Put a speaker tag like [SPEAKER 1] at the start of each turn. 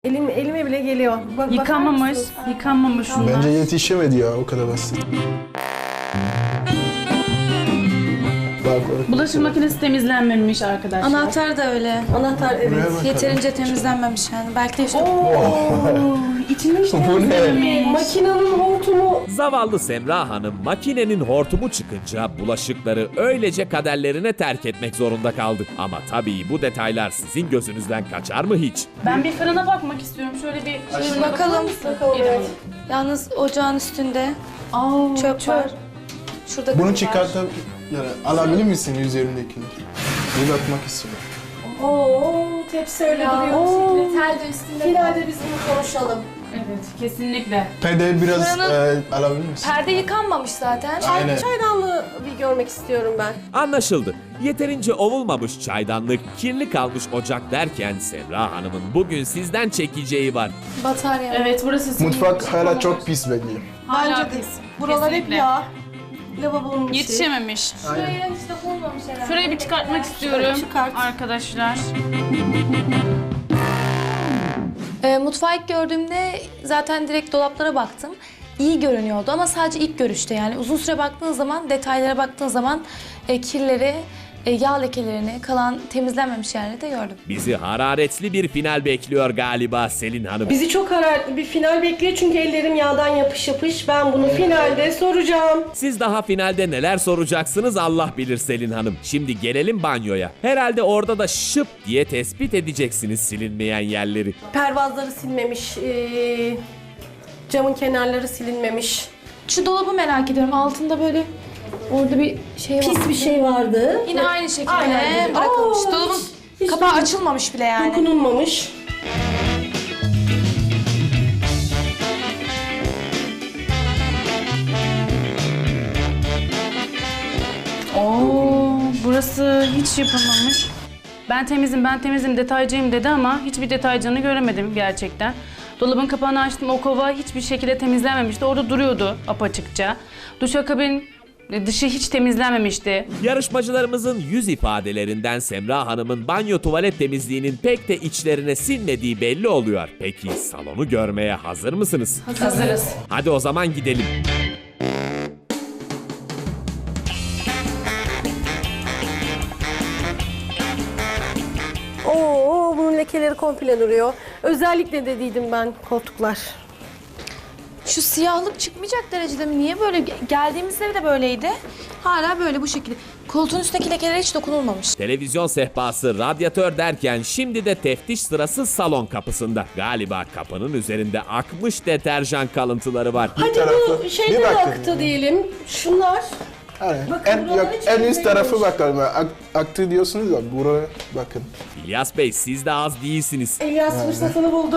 [SPEAKER 1] Elime bile geliyor.
[SPEAKER 2] Yıkanmamış, yıkanmamış şunlar.
[SPEAKER 3] Bence yetişemedi ya, o kadar basit. Bak,
[SPEAKER 2] Bulaşık makinesi temizlenmemiş arkadaşlar.
[SPEAKER 4] Anahtar da öyle.
[SPEAKER 1] Anahtar evet.
[SPEAKER 3] Buraya bakalım.
[SPEAKER 4] Yeterince temizlenmemiş yani. Belki de işte
[SPEAKER 2] İçini hiç
[SPEAKER 3] Bu ne?
[SPEAKER 2] temizlememiş.
[SPEAKER 1] Makinenin hortumu.
[SPEAKER 5] Zavallı Semra Hanım makinenin hortumu çıkınca bulaşıkları öylece kaderlerine terk etmek zorunda kaldı. Ama tabii bu detaylar sizin gözünüzden kaçar mı hiç?
[SPEAKER 2] Ben bir fırına bakmak istiyorum. Şöyle bir şey
[SPEAKER 4] bakalım.
[SPEAKER 1] Bakalım evet.
[SPEAKER 4] Yalnız ocağın üstünde çöp var. Şurada
[SPEAKER 3] bunu
[SPEAKER 4] kum var.
[SPEAKER 3] çıkartıp yani alabilir misin üzerindekini? Bir bakmak istiyorum.
[SPEAKER 1] Oo, tepsi öyle duruyor.
[SPEAKER 4] Tel de üstünde.
[SPEAKER 1] Finalde biz bunu konuşalım.
[SPEAKER 2] Evet, kesinlikle.
[SPEAKER 3] Perde biraz
[SPEAKER 4] Fırının-
[SPEAKER 3] alabilir misin?
[SPEAKER 4] Perde yıkanmamış zaten.
[SPEAKER 3] Aynen.
[SPEAKER 1] Çaydanlığı bir görmek istiyorum ben.
[SPEAKER 5] Anlaşıldı. Yeterince ovulmamış çaydanlık, kirli kalmış ocak derken Semra Hanım'ın bugün sizden çekeceği var.
[SPEAKER 4] Batarya.
[SPEAKER 2] Evet, burası sizin
[SPEAKER 3] Mutfak hala çok pis bekliyor.
[SPEAKER 2] Hala
[SPEAKER 1] Bence de.
[SPEAKER 2] pis.
[SPEAKER 1] Buralar hep
[SPEAKER 2] Kesinlikle.
[SPEAKER 1] yağ. Lavabonun içi.
[SPEAKER 2] Yetişememiş.
[SPEAKER 4] Şuraya hiç dokunmamış herhalde.
[SPEAKER 2] Şurayı bir çıkartmak istiyorum
[SPEAKER 1] Çıkart.
[SPEAKER 2] arkadaşlar.
[SPEAKER 4] Mutfağı ilk gördüğümde zaten direkt dolaplara baktım. İyi görünüyordu ama sadece ilk görüşte yani uzun süre baktığın zaman, detaylara baktığın zaman kirleri, yağ lekelerini, kalan temizlenmemiş yerleri de gördüm.
[SPEAKER 5] Bizi hararetli bir final bekliyor galiba Selin Hanım.
[SPEAKER 1] Bizi çok hararetli bir final bekliyor çünkü ellerim yağdan yapış yapış. Ben bunu finalde soracağım.
[SPEAKER 5] Siz daha finalde neler soracaksınız Allah bilir Selin Hanım. Şimdi gelelim banyoya. Herhalde orada da şıp diye tespit edeceksiniz silinmeyen yerleri.
[SPEAKER 1] Pervazları silmemiş. Camın kenarları silinmemiş.
[SPEAKER 4] Şu dolabı merak ediyorum. Altında böyle orada bir şey var.
[SPEAKER 1] Pis bir şey vardı.
[SPEAKER 4] Yine aynı şekilde
[SPEAKER 1] Aynen.
[SPEAKER 4] bırakılmış.
[SPEAKER 1] Aa,
[SPEAKER 4] Dolabın
[SPEAKER 1] hiç
[SPEAKER 4] kapağı açılmamış bile yani.
[SPEAKER 1] Dokunulmamış.
[SPEAKER 2] Oo, burası hiç yapılmamış. Ben temizim detaycıyım dedi ama hiçbir detaycını göremedim gerçekten. Dolabın kapağını açtım, o kova hiçbir şekilde temizlenmemişti. Orada duruyordu apaçıkça. Duşakabin dışı hiç temizlenmemişti.
[SPEAKER 5] Yarışmacılarımızın yüz ifadelerinden Semra Hanım'ın banyo tuvalet temizliğinin pek de içlerine sinmediği belli oluyor. Peki salonu görmeye hazır mısınız?
[SPEAKER 2] Hazırız.
[SPEAKER 5] Hadi o zaman gidelim.
[SPEAKER 1] Oo, bunun lekeleri komple duruyor. Özellikle dediydim ben koltuklar.
[SPEAKER 4] Şu siyahlık çıkmayacak derecede mi? Niye böyle? Geldiğimizde de böyleydi. Hala böyle bu şekilde. Koltuğun üstteki lekelere hiç dokunulmamış.
[SPEAKER 5] Televizyon sehpası, radyatör derken şimdi de teftiş sırası salon kapısında. Galiba kapının üzerinde akmış deterjan kalıntıları var.
[SPEAKER 1] Hadi
[SPEAKER 3] tarafı-
[SPEAKER 1] bu şeyden
[SPEAKER 3] bir bakın.
[SPEAKER 1] aktı diyelim. Şunlar.
[SPEAKER 3] Aynen.
[SPEAKER 1] Bakın
[SPEAKER 3] En,
[SPEAKER 1] buraları
[SPEAKER 3] yok,
[SPEAKER 1] hiç
[SPEAKER 3] en üst
[SPEAKER 1] temizlememiş.
[SPEAKER 3] tarafı bakalım. Aktı diyorsunuz ya, buraya bakın.
[SPEAKER 5] İlyas Bey siz de az değilsiniz.
[SPEAKER 1] İlyas fırsatını buldu.